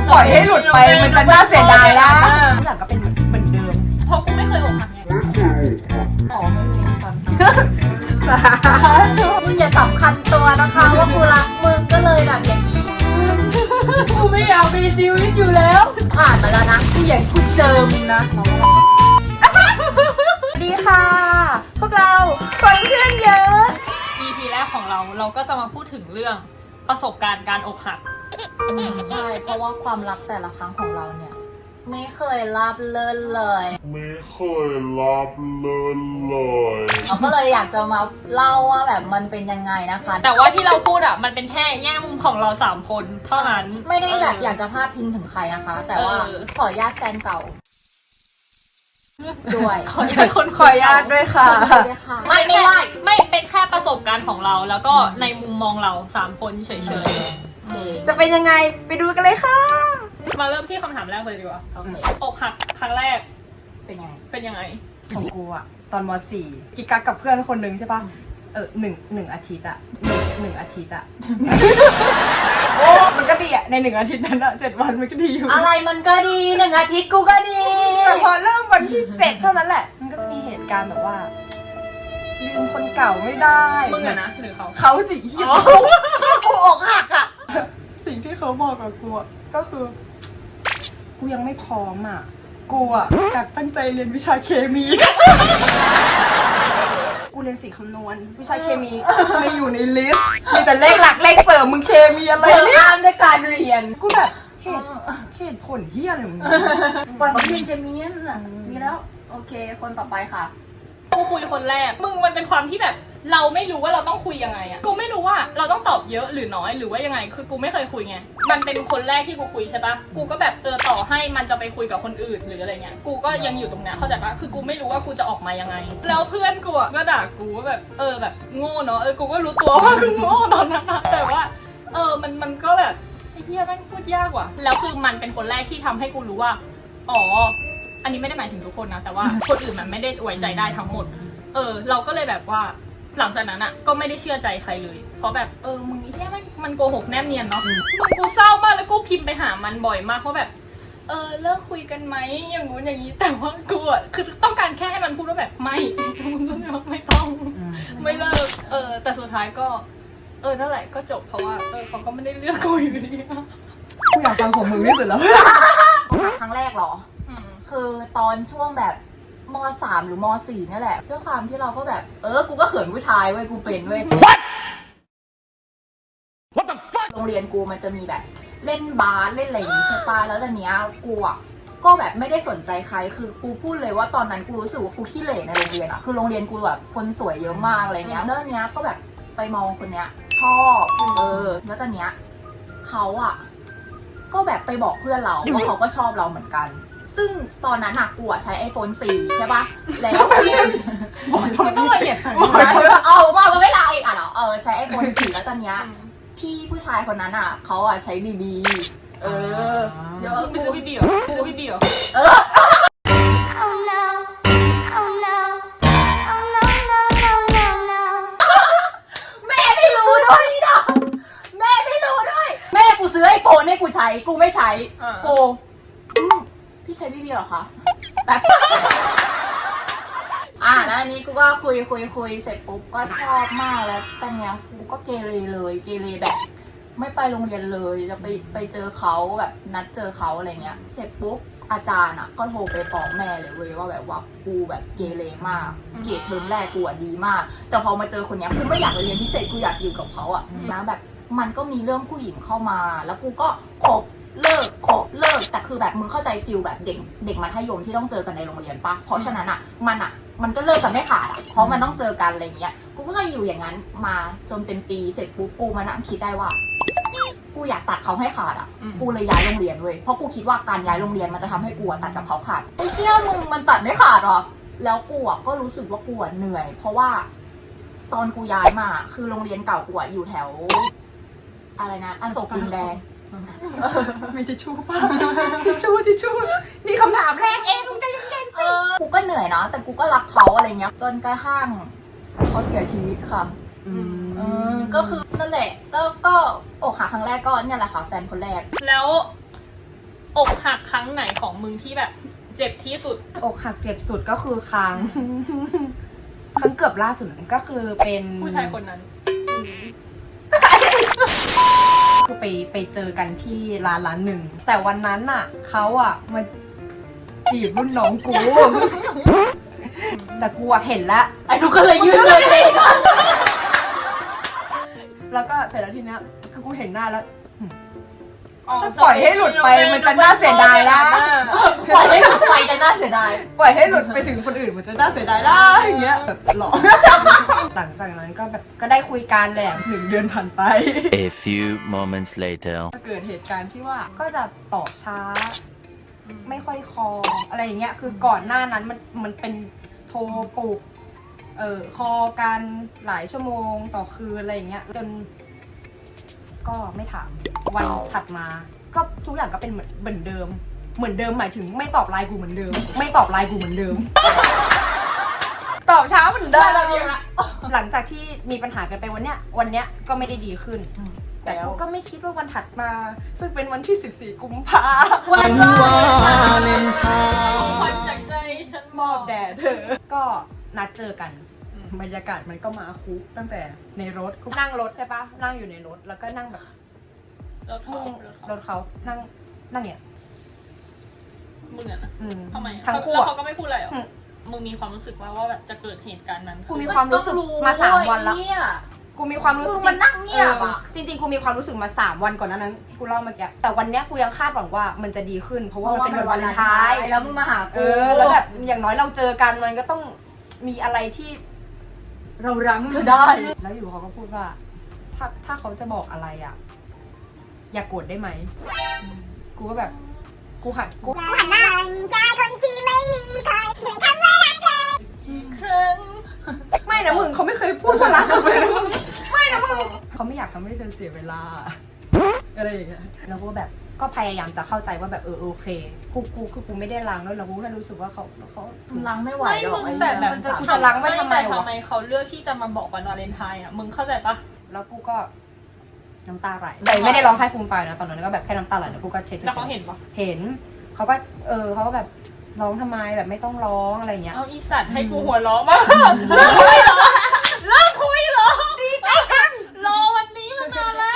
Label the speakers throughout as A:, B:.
A: ปล่อยให้หลุดไปมันจะน่าเสียดายนะทุกอย่างก็เป็นเหมือนเดิม
B: เพราะกูไม่เคยอกหักไง
C: อ๋อไม่มีความ
A: สาธุ
C: มึงอย่าสำคัญตัวนะคะว่ากูรักมึงก็เลยแบบอย่างนี้
A: กูไม่อยากมีชีวิตอยู่แล้ว
C: ผ่านมาแล้วนะกูอยากกูเจอมึงนะ
A: ดีค่ะพวกเราคนเพื่อนเยอะ
B: EP แรกของเราก็จะมาพูดถึงเรื่องประสบการณ์การอกหัก
C: ใช่เพราะว่าความรักแต่ละครั้งของเราเนี่ยไม่เคยราบเลินเลย
D: ไม่เคยรับเลินเลย
C: เราก็เลยอยากจะมาเล่าว่าแบบมันเป็นยังไงนะคะ
B: แต่ว่าที่เราพูดอ่ะมันเป็นแค่แง่มุมของเรา3คนเท่านั้น
C: ไม่ได้แบบอยากจะพาดพิงถึงใครนะคะ แต่ว่าขออนุญาตแฟนเก่าด้วย
B: ขออนุญาตคน
A: ขออนุญาตด้วยค่ะ
C: ไม่
B: เป็นแค่ประสบการณ์ของเราแล้วก็ในมุมมองเรา3คนเฉย
A: จะเป็นยังไงไปดูกันเลยค่ะ
B: มาเริ่มที่คำถามแรกเลยดีกว่าอกหักครั้งแรก
C: เป็นยังไง
A: ของกูอะตอนม.4 กิกกักกับเพื่อนคนนึงใช่ปะหนึ่งอาทิตย์อะหนึ่งอาทิตย์อะโอ้มันก็ดีอะใน1 อาทิตย์นั้นอะ7 วันมันก็ดีอยู่
C: อะไรมันก็ดี1 อาทิตย์กูก็ดี
A: แต่พอเริ่มวันที่7เท่านั้นแหละมันก็จะมีเหตุการณ์แบบว่าลืมคนเก่าไม่ได้
B: มึงอะนะหรือ
A: เขาสิกูอกหักอะสิ่งที่เขาบอกกับกูก็คือกูยังไม่พร้อมอ่ะกูอ่ะอยากตั้งใจเรียนวิชาเคมี กูเรียนสิ่งคำนวณวิชาเคมีไม่อยู่ในลิสต์มีแต่เลขหลักเลขเสริมมึงเคมีอะไรเนี่ย
C: ห้ามด้วยการเรียน
A: กูแบบเหตุผลเฮี้ยอะไรมึง
C: ปล่อยเขาเรียนเคมีน่ะดีแล้วโอเคคนต่อไปค่ะ
B: กูคุยคนแรกมึงมันเป็นความที่แบบเราไม่รู้ว่าเราต้องคุยยังไงอะกูไม่รู้ว่าเราต้องตอบเยอะหรือน้อยหรือว่ายังไงคือกูไม่เคยคุยไงมันเป็นคนแรกที่กูคุยใช่ปะกูก็แบบต่อให้มันจะไปคุยกับคนอื่นหรืออะไรเงี้ยกูก็ยังอยู่ตรงนี้เข้าใจปะคือกูไม่รู้ว่ากูจะออกมายังไงแล้วเพื่อนกูก็ด่ากูว่าแบบแบบโง่เนาะกูก็รู้ตัวว่าคือโง่ตอนนั้นนะแต่ว่ามันก็แบบไอ้เหี้ยแม่งพูดยากว่ะแล้วคือมันเป็นคนแรกที่ทำให้กูรู้ว่าอ๋ออันนี้ไม่ได้หมายถึงทุกคนนะแต่ว่าคนอื่นมันไม่ได้ไว้ใจได้ทั้งหมดเราก็เลยแบบว่าหลังจากนั้นอ่ะก็ไม่ได้เชื่อใจใครเลยเพราะแบบมึงไอ้เหี้ยมันโกหกแนบเนียนเนาะมึงกูเศร้ามากแล้วกูพิมพ์ไปหามันบ่อยมากเพราะแบบเลิกคุยกันไหมอย่างงู้นอย่างนี้แต่ว่ากูอ่ะคือต้องการแค่ให้มันพูดว่าแบบไม่มึงก็ไม่ต้องไม่เลิกแต่สุดท้ายก็นั่นแหละก็จบเพราะว่าเขาก็ไม่ได้เลือกกูอยู่ดี
A: กูอยากฟังของมึงที่สุดแล้ว
C: ครั้งแรกเหรอคือตอนช่วงแบบม.3 หรือม.4 นี่แหละด้วยความที่เราก็แบบกูก็เขินผู้ชายเว้ยกูเป็นเว้ย What the fuck โรงเรียนกูมันจะมีแบบเล่นบาสเล่นอะไรอย่างนี้ใช่ปะแล้วตอนเนี้ยกูอ่ะก็แบบไม่ได้สนใจใครคือกูพูดเลยว่าตอนนั้นกูรู้สึกว่ากูขี้เหร่ในโรงเรียนอ่ะคือโรงเรียนกูแบบคนสวยเยอะมากอะไรเงี้ยแล้วตอนเนี้ยก็แบบไปมองคนเนี้ยชอบแล้วตอนเนี้ยเขาอ่ะก็แบบไปบอกเพื่อนเราว่าเขาก็ชอบเราเหมือนกันซึ่งตอนนั้นกูใช้ iPhone 4 ใช่ปะแล้ว
A: บอกทำไม
B: ต้องละเอียด
C: มาเวลาอีกเหรอใช้ iPhone 4 แล้วตอนเนี้ยพี่ผู้ชายคนนั้นเขาใช้BB
B: เดี๋ยวมึงไปซื้อBBเหรอไปซื้อBBเหรอ
C: แม่ไม่รู้ด้วยนะแม่ไม่รู้ด้วยแม่กูซื้อ iPhone ให้กูใช้กูไม่ใช้กูพี่ใช้BBเหรอคะแบบแล้วอันนี้กูก็คุยเสร็จปุ๊บก็ชอบมากแล้วตอนเนี้ยกูก็เกเรแบบไม่ไปโรงเรียนเลยจะไปเจอเขาแบบนัดเจอเขาอะไรเงี้ยเสร็จปุ๊บอาจารย์ก็โทรไปฟ้องแม่เลยเว้ยว่าแบบว่ากูแบบเกเรมากเกรดเทอมแรกกูดีมากแต่พอมาเจอคนเนี้ยกูไม่อยากไปเรียนพิเศษกูอยากอยู่กับเขานะแบบมันก็มีเรื่องผู้หญิงเข้ามาแล้วกูก็คบเลิกแต่คือแบบมึงเข้าใจฟิลแบบเด็กมัธยมที่ต้องเจอกันในโรงเรียนปะเพราะฉะนั้นมันก็เลิกกันไม่ขาดเพราะมันต้องเจอกันอะไรเงี้ยกูก็อยู่อย่างนั้นมาจนเป็นปีเสร็จปุ๊บกูมานั่งคิดได้ว่ากูอยากตัดเขาให้ขาดกูเลยย้ายโรงเรียนเว้ยเพราะกูคิดว่าการย้ายโรงเรียนมันจะทำให้กูตัดกับเขาขาดไอ้เหี้ยมึงมันตัดไม่ขาดหรอแล้วกูก็รู้สึกว่ากูเหนื่อยเพราะว่าตอนกูย้ายมาคือโรงเรียนเก่ากูอยู่แถวอะไรนะอโศกดินแดง
A: ไม่ทิชชู่ป่ะทิชชู่นี่คำถามแรกเองมึงจะยังเก่งสิ
C: กูก็เหนื่อยนะแต่กูก็รักเขาอะไรเงี้ยจนกระทั่งเขาเสียชีวิตค่ะก็คือนั่นแหละก็อกหักครั้งแรกก็เนี่ยแหละค่ะแฟนคนแรก
B: แล้วอกหักครั้งไหนของมึงที่แบบเจ็บที่สุด
A: อกหักเจ็บสุดก็คือครั้ง ครั้งเกือบล่าสุดก็คือเป็น
B: ผู้ชายคนนั้น
A: คือไปเจอกันที่ร้านหนึ่ง แต่วันนั้นอ่ะเขาอ่ะมาจีบรุ่นน้องกู แต่กูอ่ะเห็นแล้ว
C: ไอ้นุกก็เลยยืนเลยเอง
A: แล้วก็เสร็จแล้วทีเนี้ยคือกูเห็นหน้าแล้ว
B: อ๋อ
A: ถ้าปล่อยให้หลุดไปมันจะน่าเสียดายนะ
C: ปล่อยให้หลุดไปจะน่าเสียดาย
A: ปล่อยให้หลุดไปถึงคนอื่นมันจะน่าเสียดายได้อย่างเงี้ยแบบหลอก หลังจากนั้นก็แบบก็ได้คุยกันแหละ1 เดือนผ่านไป
E: A few moments later.
A: เกิดเหตุการณ์ที่ว่าก็จะตอบช้า ไม่ค่อยคออะไรอย่างเงี้ยคือก่อนหน้านั้นมันเป็นโทรปลุกคอกันหลายชั่วโมงต่อคืนอะไรอย่างเงี้ยจนก็ไม่ถามวันถัดมาก็ทุกอย่างก็เป็นเหมือนเดิมหมายถึงไม่ตอบไลน์กูเหมือนเดิม ไม่ตอบไลน์กูเหมือนเดิม ตอบช้าเหมือนเดิมหลังจากที่มีปัญหากันไปวันเนี้ยก็ไม่ได้ดีขึ้น แต่กูก็ไม่คิดว่าวันถัดมา ซึ่งเป็นวันที่ 14 กุมภา
C: วันวาเลนไท
B: ขวัญจากใจฉัน
A: มอบแด่เธอ ก็นัดเจอกัน บรรยากาศมันก็มาคุกตั้งแต่ในรถกูนั่งรถใช่ปะนั่งอยู่ในรถแล้วก็นั่งแบบ
B: รถเขา
A: รถเขานั่งเนี่ย
B: มึงอะนะ
A: อืม
B: ทำไม
A: ทั้งคู่
B: แล้ว
A: อะ
B: เขาก็ไม่พูดอะไรหรอ
A: อืม
B: มึงมีความรู้สึกว่าแบบจะเกิดเหตุการณ์นั้น
A: กูมีความรู้สึกมา3 วันละ กูมีความรู้สึก
C: มันนั่งเงียบอ่ะ
A: จริงๆ กูมีความรู้สึกมา3 วันก่อนนั้นที่กูเล่าเมื่อกี้แต่วันเนี้ยกูยังคาดหวังว่ามันจะดีขึ้น เพราะว่ามันเป็นวันวาเลนไทน์
C: แล้วมึงมาหากู
A: แล้วแบบอย่างน้อยเราเจอกันมันก็ต้องมีอะไรที่เรารั้ง
C: เธอได้
A: แล้วอยู่เขาก็พูดว่า ถ้าเขาจะบอกอะไรอ่ะ อย่ากโกรธได้ไหมกูก็แบบกูหันกู
B: ครั้ง
A: ไม่นะมึงเขาไม่เคยพูดว่ารักกันเลยนะมึงไม่นะมึงเขาไม่อยากทำให้เธอเสียเวลาอะไรอย่างเงี้ยแล้วกูแบบก็พยายามจะเข้าใจว่าแบบโอเคกูไม่ได้ล้างแล้วเรากูแค่รู้สึกว่าเขา
C: ล้างไม่ไหว
B: ไม่
C: หรอก
B: มึงแต่แบบ
A: มันจะกูจะล้างไว้ทำไมวะ
B: แต่ทำไมเขาเลือกที่จะมาบอกวันวาเลนไทน์อ่ะ มึงเข้าใจปะ
A: แล้วกูก็น้ำตาไหลแต่ไม่ได้ร้องไห้ฟูมฟายนะตอนนั้นก็แบบแค่น้ำตาไหลแล้วกูก็เช็ด
B: แล้วเขาเห็นปะ
A: เห็นเขาก็เขาก็แบบร้องทำไมแบบไม่ต้องร้องอะไรเงี้ย
B: เอาอีสัตว์ให้กูหัวเราะมากเลิกคุยเหรอเลิกคุยเหรอดีใจจังรอวันนี้มานานแล้ว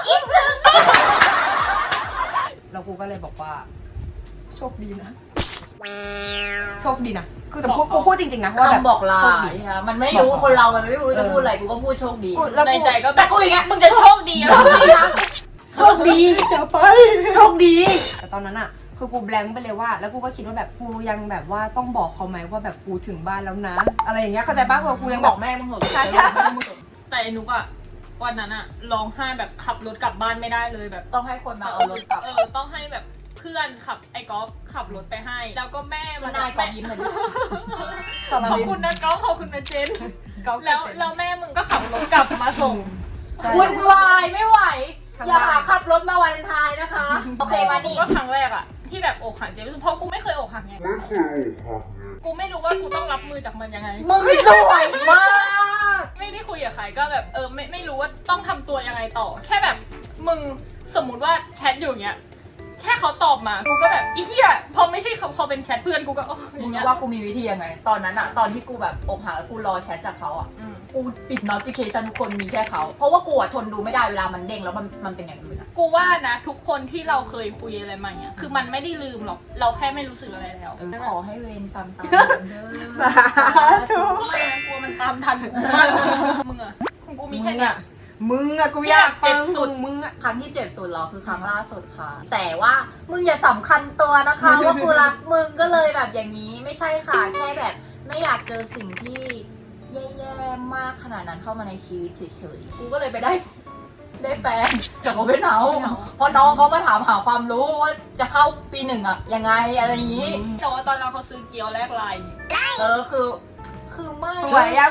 A: แล้วกูก็เลยบอกว่าโชคดีนะโชคดีนะคือแต่กูพูดจริงๆนะว่าแบบ
C: คำบอกลา
A: โชคดี
C: มันไม่รู้คนเรา มันไม่รู้จะพูดอะไร กูก็พูดโชคดี
A: แล้ว
B: ใน
A: กู
B: ใจก็
C: แต่กูอย่างเงี้ย
B: มึงจะโชคดีอะ
C: โชคดีนะ โชคดี
A: อย่าไป
C: โชคดี
A: แต่ตอนนั้นอะคือกูแบงค์ไปเลยว่า แล้วกูก็คิดว่าแบบกูยังแบบว่าต้องบอกเขาไหมว่าแบบกูถึงบ้านแล้วนะ อะไรอย่างเงี้ยเข้าใจป่ะกูยัง
C: บบ อ
A: อก ก
C: แม่มึงเหอะ
A: ใช่
B: แต่ไอ้นุกอะวันนั้นอะร้องไห้แบบขับรถกลับบ้านไม่ได้เลยแบบ
C: ต้องให้คนมาเอารถกลับ
B: ต้องให้แบบเพื่อนขับไอ้ก๊อฟขับรถไปให้ แล้วก็แม่
C: คือนายกอบยิ้มเลยดิ
B: ขอบคุณนะก๊อฟขอบคุณนะเจนแล้วแม่มึงก็ขับรถกลับมาส่ง
C: วุ่นวายไม่ไหว
A: ทาง
C: อย่า
A: บ้าน
C: ขับรถมาวาเลนไทน์นะคะ โอเคมานี่
B: ก็ครั้งแรกอะที่แบบอกหักเจ็บที่สุดเพราะกูไม่เคยอกหักไง
D: ไม่เคยอกหักไง
B: กูไม่รู้ว่ากูต้องรับมือจากมันยังไง
C: มึงสวยมาก
B: ไม่ได้คุยกับใครก็แบบไม่รู้ว่าต้องทำตัวยังไงต่อ แค่แบบมึงสมมุติว่าแชทอยู่อย่างเงี้ยแค่เขาตอบมากูก็แบบอีเหี้ยพอไม่ใช่เขาพอเป็นแชทเพื่อนกูก็อ
C: มึ
B: ย่าง งเงี้
C: รู้
B: ย
C: ว่ากูมีวิธียังไง ตอนนั้นอะตอนที่กูแบบอกหักแล้วกูรอแชทจากเขาอะ
B: อืม
C: กูปิด notification ทุกคนมีแค่เขา เพราะว่ากูอะทนดูไม่ได้เวลามันเด้งแล้วมันเป็นอย่างอื่นอะ
B: กูว่านะทุกคนที่เราเคยคุยอะไรมาเนี่ยคือมันไม่ได้ลืมหรอกเราแค่ไม่รู้สึกอะไรแล้ว
C: ขอให้เวรตามเด้อ
A: สาธุ
B: ไม่งั้นกลัวมันตามทันกูมากมึงอะของกูมีแค่เนี้ย
A: มึงอะกูอยากฟัง
B: เจ็บสุด
A: มึงอะ
C: ครั้งที่เจ็บสุดเหรอคือครั้งล่าสุดค่ะ แต่ว่ามึงอย่าสำคัญตัวนะคะ ว่ากูรักมึงก็เลยแบบอย่างนี้ไม่ใช่ค่ะ แค่แบบไม่อยากเจอสิ่งที่แย่ๆมากขนาดนั้นเข้ามาในชีวิตเฉยๆ กูก็เลยไปได้แฟนจากโอเปนเฮาส์เพราะน้องเขามาถามหาความรู้ว่าจะเข้าปีหนึ่งอะยังไงอะไรอย่างนี้
B: แต่ว่าตอนเราเขาซื้อเกี๊ยวแลกไลน์
C: คือไม่
A: สวยอะ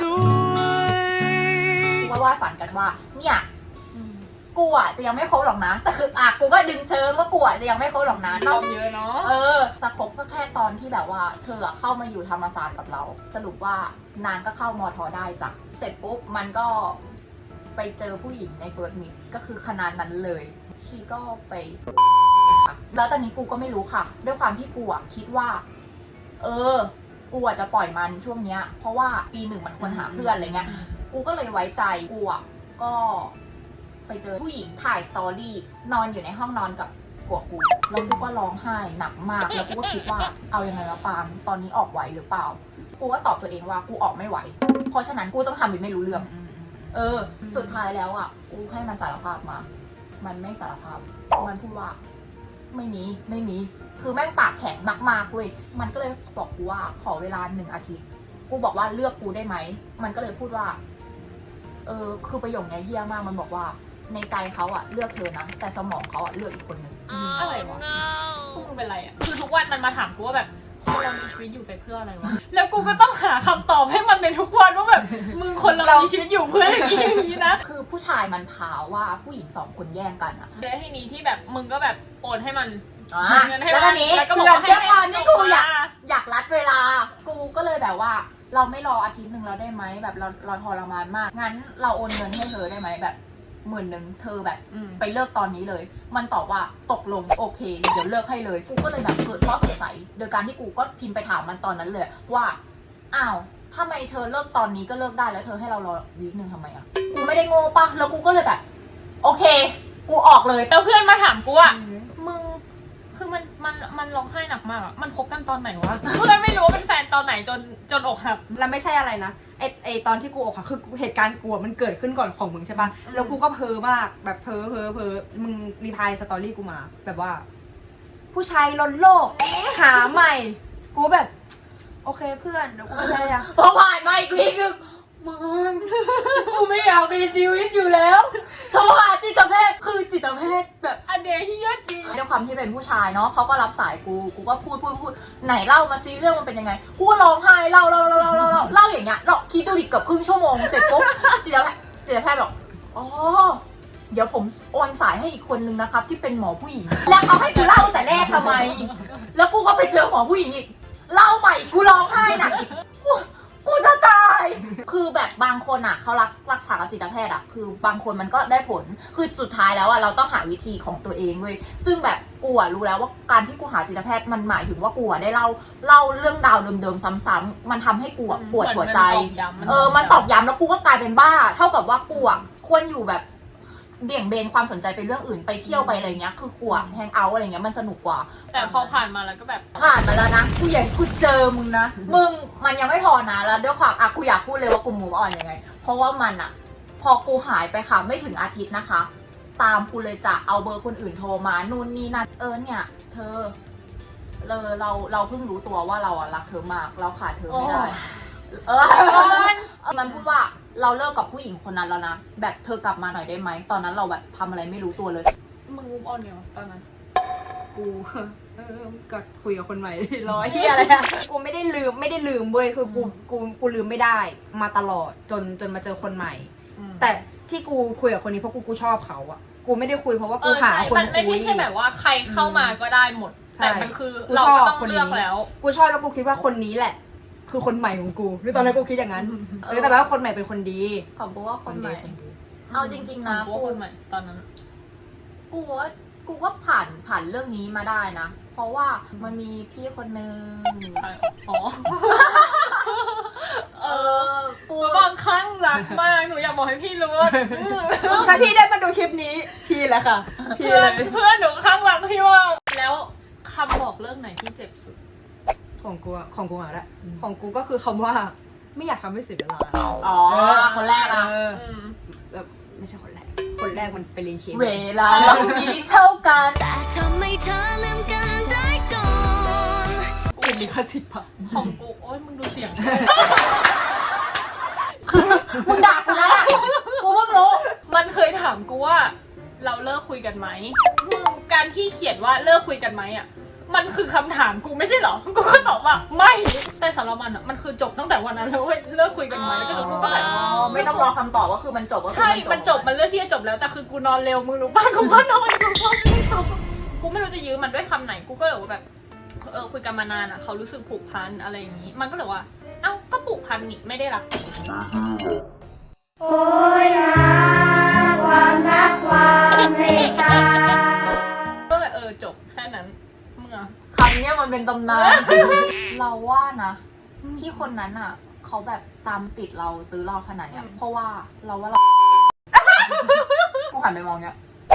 C: กูว่าฝันกันว่าเนี่ยกูอะจะยังไม่คบหรอกนะ แต่คือกูก็ดึงเชิงว่ากูอะจะยังไม่คบหรอกนะ
B: ชอบเยอะเนาะ
C: จะคบก็แค่ตอนที่แบบว่าเธออะเข้ามาอยู่ธรรมศาสตร์กับเรา สรุปว่านางก็เข้ามอทอได้จ้ะเสร็จปุ๊บมันก็ไปเจอผู้หญิงในเฟิร์สมิตก็คือคณะนั้นเลยชีก็ไปแล้วตอนนี้กูก็ไม่รู้ค่ะ ด้วยความที่กูอะคิดว่ากูอะจะปล่อยมันช่วงเนี้ยเพราะว่าปีหนึ่งมันควรหาเพื่อนอะไรเงี้ยกูก็เลยไว้ใจกูอะก็ไปเจอผู้หญิงถ่ายสตอรี่นอนอยู่ในห้องนอนกับผัวกูแล้วกูก็ร้องไห้หนักมากแล้วกูก็คิดว่าเอายังไงวะปางตอนนี้ออกไหวหรือเปล่ากูก็ตอบตัวเองว่ากูออกไม่ไหวเพราะฉะนั้นกูต้องทำเป็นไม่รู้เรื่องสุดท้ายแล้วอ่ะกูให้มันสารภาพมามันไม่สารภาพมันพูดว่าไม่มีคือแม่งปากแข็งมากๆเว้ยมันก็เลยบอกกูว่าขอเวลา1 อาทิตย์กูบอกว่าเลือกกูได้ไหมมันก็เลยพูดว่าคือประโยคนี้เฮี้ยมากมันบอกว่าในใจเขาอะเลือกเธอนะแต่สมองเขาอะเลือกอีกคนนึง
B: อะไรวะพวกมึงเป็นไรอ่ะคือทุกวันมันมาถามกูว่าแบบคนเรามีชีวิตอยู่ไปเพื่ออะไรวะแล้วกูก็ต้องหาคำตอบให้มันเป็นทุกวันว่าแบบมึงคนเรามีชีวิตอยู่เพื่ออย่างนี้นะ
C: คือผู้ชายมันพาว่าผู้หญิง2 คนแย่งกันอะ
B: แล้วทีนี้ที่แบบมึงก็แบบโอนให้มัน เงินให้
C: แล้วตอนนี้
B: แล้วก็บ
C: เพื่
B: อก
C: อน
B: ว่าให้
C: ด้วยความที่กู
B: ส่งมา
C: อยากรัดเวลา กูก็เลยแบบว่า เราไม่รออาทิตย์หนึ่งเราได้ไหมแบบเราทรมานมากงั้นเราโอนเงินให้เธอได้ไหมแบบ10,000เธอแบบไปเลิกตอนนี้เลย มันตอบว่าตกลงโอเคเดี๋ยวเลิกให้เลยกูก็เลยแบบเกิดข้อสงสัยโดยการที่กูก็พิมพ์ไปถามมันตอนนั้นเลยว่าอ้าวทำไมเธอเลิกตอนนี้ก็เลิกได้แล้วเธอให้เรารอวีคนึงทำไมอ่ะกูไม่ได้โง่ปะแล้วกูก็เลยแบบโอเคกูออกเลย
B: แล้วเพื่อนมาถามกูว่ามึงคือมันร้องไห้หนักมากอะมันคบกันตอนไหนวะ เพื่อนไม่รู้ว่าเป็นแฟนตอนไหนจนอกหัก
A: แล้วไม่ใช่อะไรนะไอตอนที่กูอกหักคือเหตุการณ์กูมันเกิดขึ้นก่อนของมึงใช่ปะแล้วกูก็เพ้อมากแบบเพ้อมึงรีพายสตอรี่กูมาแบบว่า ผู้ชายล้นโลกหาใหม่ กูแบบ โอเคเพื่อนเดี๋ยวกูพยายาม
C: พอผ่านมาอีกวีคนึง
A: มึงกูไม่อยากมีชีวิตอยู่แล้ว
C: โทรหาจิตแพทย์คือจิตแพทย์แบบ
B: อันเดียเฮียจริง
C: ด้วยความที่เป็นผู้ชายเนาะเขาก็รับสายกูก็พูดไหนเล่ามาซิเรื่องมันเป็นยังไงกูก็ร้องไห้เล่าอย่างเงี้ยเราคิดดูดิเกือบครึ่งชั่วโมงเสร็จปุ๊บจิตแพทย์บอกอ๋อเดี๋ยวผมโอนสายให้อีกคนนึงนะครับที่เป็นหมอผู้หญิงแล้วเขาให้กูเล่าแต่แรกทำไมแล้วกูก็ไปเจอหมอผู้หญิงอีกเล่าใหม่กูร้องไห้หนักอีกกูจะตาย คือแบบบางคนอ่ะเขารักษากับจิตแพทย์อ่ะคือบางคนมันก็ได้ผลคือสุดท้ายแล้วอ่ะเราต้องหาวิธีของตัวเองเว้ยซึ่งแบบกูอ่ะรู้แล้วว่าการที่กูหาจิตแพทย์มันหมายถึงว่ากูอ่ะได้เล่าเรื่องราวเดิมๆซ้ำๆมันทำให้กูอ่ะปวดหัวใจมันตอกย้ำแล้วกูก็กลายเป็นบ้าเท่ากับว่ากูอ่ะควรอยู่แบบเบี่ยงเบนความสนใจไปเรื่องอื่นไปเที่ยวไปอะไรเงี้ยคือกูอ่ะแฮงเอาท์อะไรเงี้ยมันสนุกกว่า
B: แต่พอผ่านมาแล้วก็แบบ
C: ผ่านมาแล้วนะกูอยากกูเจอมึงนะมึงมันยังไม่พอนะแล้วด้วยความกูอยากพูดเลยว่ากูมูฟออนยังไงเพราะว่ามันอะพอกูหายไปค่ะไม่ถึงอาทิตย์นะคะตามกูเลยจะเอาเบอร์คนอื่นโทรมานู่นนี่นั่นเนี่ยเธอเราเพิ่งรู้ตัวว่าเราอะรักเธอมากเราขาดเธอไม่ได้มันพูดว่าเราเลิกกับผู้หญิงคนนั้นแล้วนะแบบเธอกลับมาหน่อยได้ไหมตอนนั้นเราแบบทำอะไรไม่รู้ตัวเลย
B: มึงมูฟออนไงวะตอนนั้น
A: กูก็คุยกับคนใหม่ ร้อยที่อะไรอะกูไม่ได้ลืมเว้ยคือกูลืมไม่ได้มาตลอดจนมาเจอคนใหม่แต่ที่กูคุยกับคนนี้เพราะกูชอบเขาอะกูไม่ได้คุยเพราะว่ากูหาคนคุย
B: มันไม่ใช่แบบว่าใครเข้ามาก็ได้หมดแต่มันคือเราก็ต้องเลือกแล้ว
A: กูชอบแล้วกูคิดว่าคนนี้แหละคือคนใหม่ของกูหรือตอนนั้นกูคิดอย่างนั้นแต่ว่าคนใหม่เป็นคนดี
C: ขอบคุณว่าคนใหม่เอาจริงๆนะ
B: กูคนใหม่ตอนนั้น
C: กูว่าผ่านเรื่องนี้มาได้นะเพราะว่ามันมีพี่คนนึง
B: อ๋อกูบางครั้งรักมากหนูอยากบอกให้พี่รู้ว่า
A: ถ้าพี่ได้มาดูคลิปนี้พี่แหละค่ะ
B: เพื่อนหนูข้างรักพี่ว่าแล้วคำบอกเรื่องไหนที่เจ็บสุด
A: ของกูอ่ะของกูก็คือคำว่าไม่อยากทำให้เสียเวลา
C: คนแรกอ่ะ
A: แบบไม่ใช่คนแรกมันไปเรียนเคมี
C: เวลาเรามีเท่ากัน
F: แต่ทำไมเธอลืมกันได้ก่อน
A: กูมีค่าสิบป่ะ
B: ของกูโอ๊ยมึงดูเสียง
C: มึงด่ากูแล้วอ่ะกูเพิ่งรู้
B: มันเคยถามกูว่าเราเลิกคุยกันไหมมึงการที่เขียนว่าเลิกคุยกันไหมอ่ะมันคือคำถามกูไม่ใช่หรอกูก็ตอบว่าไม่แต่สำหรับมันอ่ะมันคือจบตั้งแต่วันนั้นแล้วเว้ยเลิกคุยกันไหมแล้วก็กูก็แบบ
C: ไม่ต้องรอคำตอบว่าคือมันจบก็คือ
B: ใช่มันจบมันเลือกที่จะจบแล้วแต่คือกูนอนเร็วมึงรู้ป่ะกูก็นอนกูไม่รู้จะยื้อมันด้วยคำไหนกูก็เลยว่าแบบคุยกันมานานอ่ะเขารู้สึกผูกพันอะไรอย่างนี้มันก็เลยว่าเอ้าก็ผูกพันนี่ไม่ได้รัก
F: โอ้ยนะความรักความเมตตา
B: ก็เลยจบแค่อะ
C: คำเนี้ยมันเป็นตำนาน เราว่านะ ที่คนนั้นอ่ะ เขาแบบตามติดเราตื้อเราขนาดเนี้ย เพราะว่าเราว่าเรา กูหันไปมองเนี้ย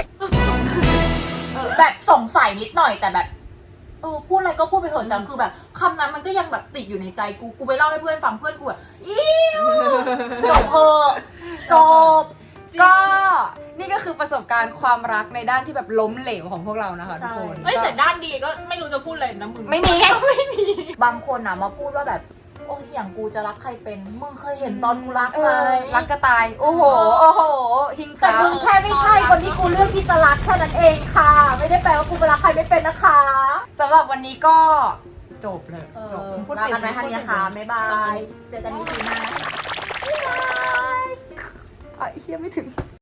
C: แบบสงสัยนิดหน่อยแต่แบบพูดอะไรก็พูดไปเถอะแต่คือแบบคำนั้นมันก็ยังแบบติดอยู่ในใจกูไปเล่าให้เพื่อนฟังเพื่อนกูแบบจบเพอะจบ
A: ก็นี่ก็คือประสบการณ์ความรักในด้านที่แบบล้มเหลวของพวกเรานะคะทุกคน
B: เอ้ยแต่ด้านดีก็ไม่รู้จะพูดอะไรนะมึง
A: ไม่มี
C: บางคนนะมาพูดว่าแบบโอ้ยอย่างกูจะรักใครเป็นมึงเคยเห็นตอนกูรัก
A: เอ
C: ไหม
A: อรักจะตาย โอ้โห โอ้โห หิง
C: แต่
A: ตา
C: มึงแค่ไม่ใช่คนที่กูเลือกที่จะรักแค่นั้นเองค่ะ ไม่ได้แปลว่ากูไปรักใครไม่เป็นนะคะ
A: สำหรับวันนี้ก็จบเลยจบ
C: ลากันไปทันนะคะบ๊ายบาย เจอกันอีกทีหน้านะคะ
A: อ่ะเฮียไม่ถึง